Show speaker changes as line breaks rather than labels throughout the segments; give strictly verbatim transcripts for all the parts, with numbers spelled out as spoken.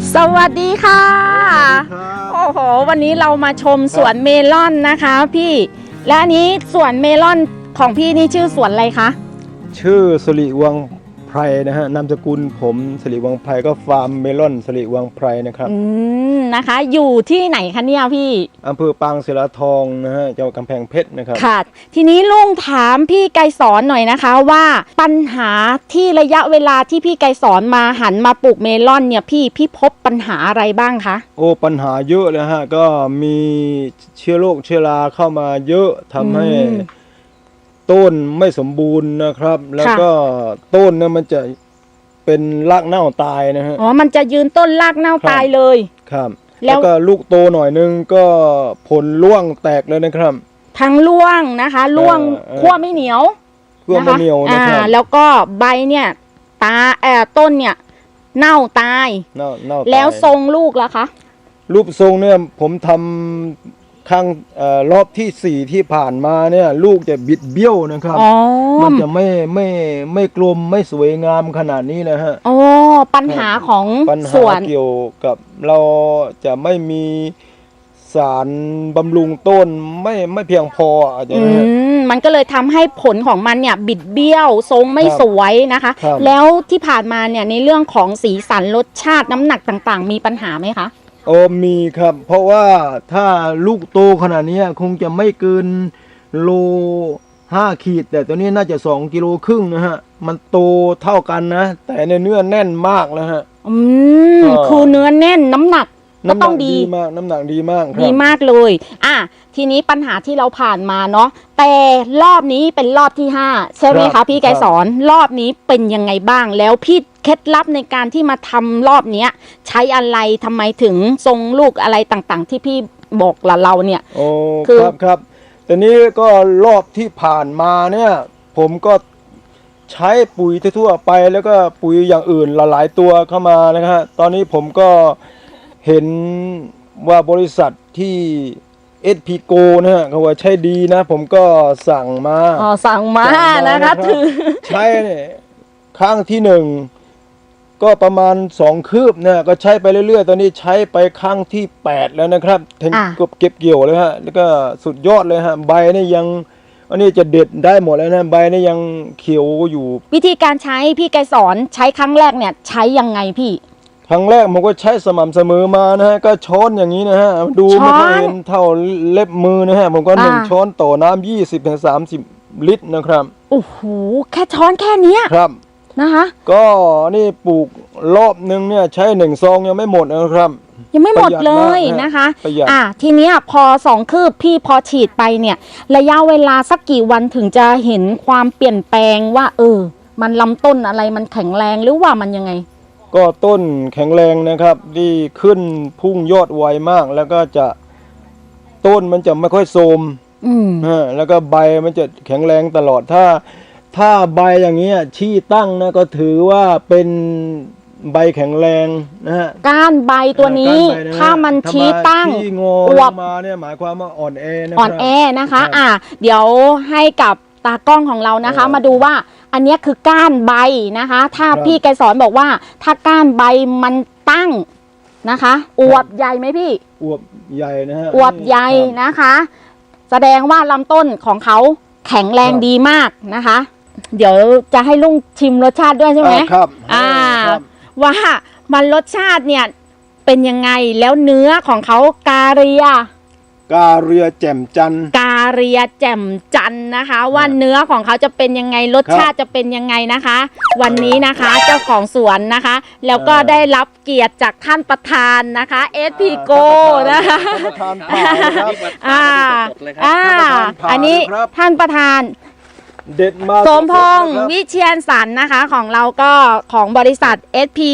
สวัสดีค่ะโอ้โหวันนี้เรามาชมสวนเมลอนนะคะพี่และอันนี้สวนเมลอนของพี่นี่ชื่อสวนอะไรคะ
ชื่อสิริวังไพรนะฮะนามสกุลผมสิริวังไพรก็ฟาร์มเมลอนสิริวังไพรนะครับ
อืมนะคะอยู่ที่ไหนคะเนี่ยพี่
อำเภอปางศิลาทองนะฮะจังหวัดกำแพงเพชรนะครับ
ค่ะทีนี้ลุงถามพี่ไกรสอนหน่อยนะคะว่าปัญหาที่ระยะเวลาที่พี่ไกรสอนมาหันมาปลูกเมลอนเนี่ยพี่พี่พบปัญหาอะไรบ้างคะ
โอ้ปัญหาเยอะเลยฮะก็มีเชื้อโรคเชื้อราเข้ามาเยอะทำให้ต้นไม่สมบูรณ์นะครับแล้วก็ต้นเนี่ยมันจะเป็นรากเน่าตายนะฮะ
อ๋อมันจะยืนต้นรากเน่าตายเลย
ครับแล้วก็ลูกโตหน่อยนึงก็ผลร่วงแตกเลยนะครับ
ทั้งร่วงนะคะร่วงขั้วไม่เหนียว
ขั้วไม่เหนียวนะครับ
แล้วก็ใบเนี่ยตาเอ่อต้นเนี่ยเน่าตาย
เน่าเน่า
แล้วทรงลูกล่ะคะ
รูปทรงเนี่ยผมทำครั้งรอบที่สี่ที่ผ่านมาเนี่ยลูกจะบิดเบี้ยวนะครับมันจะไม่ไม่ไม่กลมไม่สวยงามขนาดนี้นะฮะ
อ๋อปัญหาของสวน
เกี่ยวกับเราจะไม่มีสารบำรุงต้นไม่ไม่เพียงพออย่างนี้
มันก็เลยทำให้ผลของมันเนี่ยบิดเบี้ยวทรงไม่สวยนะคะแล้วที่ผ่านมาเนี่ยในเรื่องของสีสันรสชาติน้ำหนักต่างๆมีปัญหาไหมคะ
โอ้มีครับเพราะว่าถ้าลูกโตขนาดนี้คงจะไม่เกินโลห้าขีดแต่ตัวนี้น่าจะสองกิโลครึ่งนะฮะมันโตเท่ากันนะแต่ในเนื้อแน่นมากแล้วฮะ
อืมคือเนื้อแน่นน้ำหนักก็ต้องดี
มากน้ำหนักดีมาก
ดีมากเลยอ่ะทีนี้ปัญหาที่เราผ่านมาเนาะแต่รอบนี้เป็นรอบที่ห้าใช่ไหมคะพี่ไกรสอนรอบนี้เป็นยังไงบ้างแล้วพี่เคล็ดลับในการที่มาทำรอบนี้ใช้อะไรทำไมถึงทรงลูกอะไรต่างๆที่พี่บอกละเราเนี่ย
โอ้ครับครับแต่นี้ก็รอบที่ผ่านมาเนี่ยผมก็ใช้ปุ๋ยทั่วไปแล้วก็ปุ๋ยอย่างอื่นหลายๆตัวเข้ามานะฮะตอนนี้ผมก็เห็นว่าบริษัทที่ เอส พี โก นะฮะเขาว่าใช้ดีนะผมก็สั่งมา
อ๋อสั่งมานะคะถือ
ใช้เนี่ยครั้งที่หนึ่งก็ประมาณสองคืบนะก็ใช้ไปเรื่อยๆตอนนี้ใช้ไปครั้งที่แปดแล้วนะครับถึงเก็บเกี่ยวเลยฮะแล้วก็สุดยอดเลยฮะใบนี่ยังอันนี้จะเด็ดได้หมดแล้วนะใบนี่ยังเขียวอยู่
วิธีการใช้พี่ไกรสอนใช้ครั้งแรกเนี่ยใช้ยังไงพี่
ครั้งแรกผมก็ใช้สม่ำเสมอมานะฮะก็ช้อนอย่างนี้นะฮะดูไม่ค่อยเห็นเท่าเล็บมือนะฮะผมก็หนึ่งช้อนต่อน้ำยี่สิบถึงสามสิบลิตรนะครับ
โอ้โหแค่ช้อนแค่นี้
ครับ
นะคะ
ก็นี่ปลูกรอบนึงเนี่ยใช้หนึ่งซองยังไม่หมดนะครับ
ยังไม่หมดเลยนะคะอ่ะทีนี้พอสองคืบพี่พอฉีดไปเนี่ยระยะเวลาสักกี่วันถึงจะเห็นความเปลี่ยนแปลงว่าเออมันลำต้นอะไรมันแข็งแรงหรือว่ามันยังไง
ก็ต้นแข็งแรงนะครับที่ขึ้นพุ่งยอดไวมากแล้วก็จะต้นมันจะไม่ค่อยโทรมอ่าแล้วก็ใบมันจะแข็งแรงตลอดถ้าถ้าใบอย่างเงี้ยชี้ตั้งนะก็ถือว่าเป็นใบแข็งแรงนะฮะ
ก้านใบตัวนี้ถ้ามันชี้ตั้ง
อวบมาเนี่ยหมายความว่าอ่อนแอ
อ่อนแอนะคะอ่ะเดี๋ยวให้กับตากล้องของเรานะคะมาดูว่าอันนี้คือก้านใบนะคะถ้าพี่ไกรสอนบอกว่าถ้าก้านใบมันตั้งนะคะอวบใหญ่ไหมพี่
อวบใหญ่นะฮะ
อวบใหญ่นะคะแสดงว่าลำต้นของเขาแข็งแรงดีมากนะคะเดี๋ยวจะให้ลุงชิมรสชาติด้วยใช่ไหม
ครับ
อ่าว่ามันรสชาติเนี่ยเป็นยังไงแล้วเนื้อของเขากาเรีย
กาเรียแจ่มจัน
กาเรียแจ่มจันนะคะว่าเนื้อของเขาจะเป็นยังไงรสชาติจะเป็นยังไงนะคะวันนี้นะคะเจ้าของสวนนะคะแล้วก็ได้รับเกียรติจากท่านประธานนะคะ เอส พี โก นะคะอ่าอ่าอันนี้ท่านประธาน
เด็ดมา
สมพงษ์วิเชียรสรรนะคะของเราก็ของบริษัท เอส พี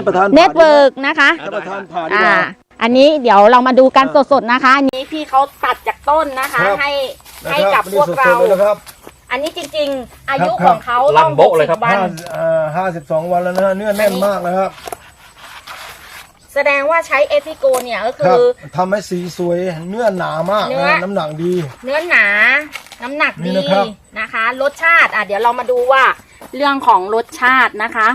Network นะคะอ่าอันนี้เดี๋ยวเรามาดูกันสดๆนะคะอันนี้พี่เขาตัดจากต้นนะคะให้ให้กับพวกเราอันนี้จริงๆอายุของเขาต้องหกสิบวัน
ห้าสิบสองวันแล้วนะฮะเนื้อแน่นมากเลยครับ
แสดงว่าใช้เอทิโกเนี่ยก็คือ
ทำให้สีสวยเนื้อหนามากน้ำหนักดี
เนื้อหนาน้ำหนักดีนะคะรสชาติอ่ะเดี๋ยวเรามาดูว่าเรื่องของรสชาตินะคะ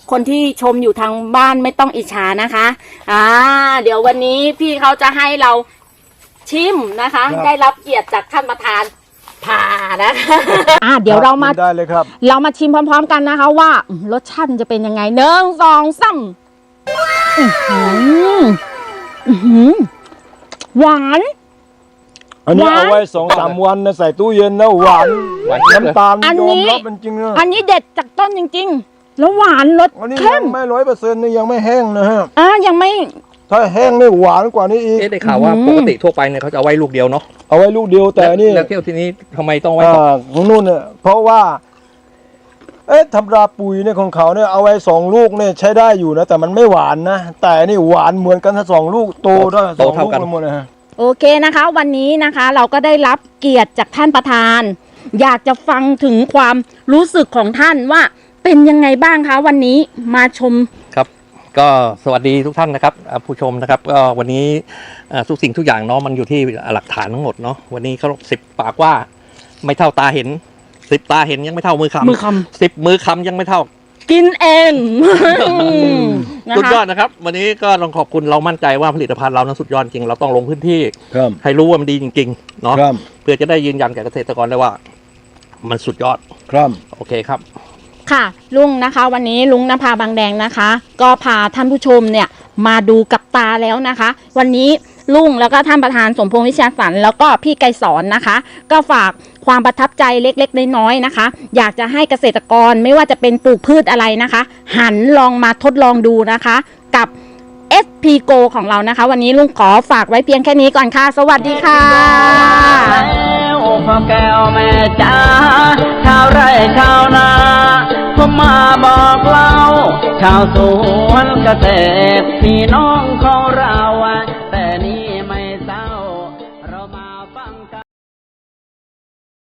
คนที่ชมอยู่ทางบ้านไม่ต้องอิจฉานะคะอ่าเดี๋ยววันนี้พี่เขาจะให้เราชิมนะคะ ได้รับเกียรติจากท่านประธานผ่านะคะอ่าเดี๋ยวเรามา
ได้เลยครับ
เรามาชิมพร้อมๆกันนะคะว่ารสชาติจะเป็นยังไงหนึ่งสองสามอื้อหืออื้อหือหวาน
อันนี้
หวาน
เอาไว้สองสามวันนะใส่ตู้เย็นนะหวาน
หวาน
น้ำตาล
อัน
ยอ
นี้
มรับเป็นจริงนะ
อันนี้เด็ดจากต้นจริงๆ แล้วหวานรส
อันนี้
เข้
ยั
ม
งไม่ร้อยเปอร์เซ็นต์นี่ยังไม่แห้งนะฮะ
อ่ายังไม่
ถ้าแห้งนี่หวานกว่านี้อีก
เอ๊ะได้ข่าวว่า
อืม
ปกติทั่วไปเนี่ยเขาจะเอาไว้ลูกเดียวเนาะ
เอาไว้ลูกเดียวแต่นี่
แล้วเที่ยวทีนี้ทำไมต้องไว้สอง
อ่าของนู่นเนี่ยเพราะว่าเอ๊ะธรรมดาปุ๋ยเนี่ยของเขาเนี่ยเอาไว้สองลูกเนี่ยใช้ได้อยู่นะแต่มันไม่หวานนะแต่นี่หวานเหมือนกันทั้งสองลูกโตได้สองลูกกันหมดเลยฮะ
โอเคนะคะ วันนี้นะคะเราก็ได้รับเกียรติจากท่านประธาน อยากจะฟังถึงความรู้สึกของท่านว่าเป็นยังไงบ้างคะวันนี้มาชม
ครับ ก็สวัสดีทุกท่านนะครับอ่าผู้ชมนะครับก็วันนี้อ่าทุกสิ่งทุกอย่างเนาะมันอยู่ที่หลักฐานทั้งหมดเนาะวันนี้เขาสิบปากว่าไม่เท่าตาเห็นสิบตาเห็นยังไม่เท่ามือคำ
มือค
สิบมือคำยังไม่เท่า
กินเอง นะ
สุดยอ
คะ
ดนะครับ วันนี้ก็ต้องขอบคุณเรามั่นใจว่าผลิตภัณฑ์เรานั้นสุดยอดจริงเราต้องลงพื้นที่
ครับ
ให้รู้ว่ามันดีจริงๆเนาะ
ครับ
เพื่อจะได้ยืนยันแก่เกษตรกรได้ว่า มันสุดยอด
ครับ
โอเคครับ
ค่ะลุงนะคะ วันนี้ลุงนภาบางแดงนะคะ ก็พาท่านผู้ชมเนี่ยมาดูกับตาแล้วนะคะ วันนี้ลุงแล้วก็ท่านประธานสมพงษ์วิชาสันต์แล้วก็พี่ไกรสอนนะคะ ก็ฝากความประทับใจเล็กๆน้อยๆนะคะ อยากจะให้เกษตรกรไม่ว่าจะเป็นปลูกพืชอะไรนะคะ หันลองมาทดลองดูนะคะ กับ เอส พี Go ของเรานะคะ วันนี้ลุงขอฝากไว้เพียงแค่นี้ก่อนค่ะ สวัสดีค่ะ
แล้วพ่อแก้วแม่จ๋าชาวไร่ชาวนาผมมาบอกเล่าชาวสวนเกษตรพี่น้องของเรา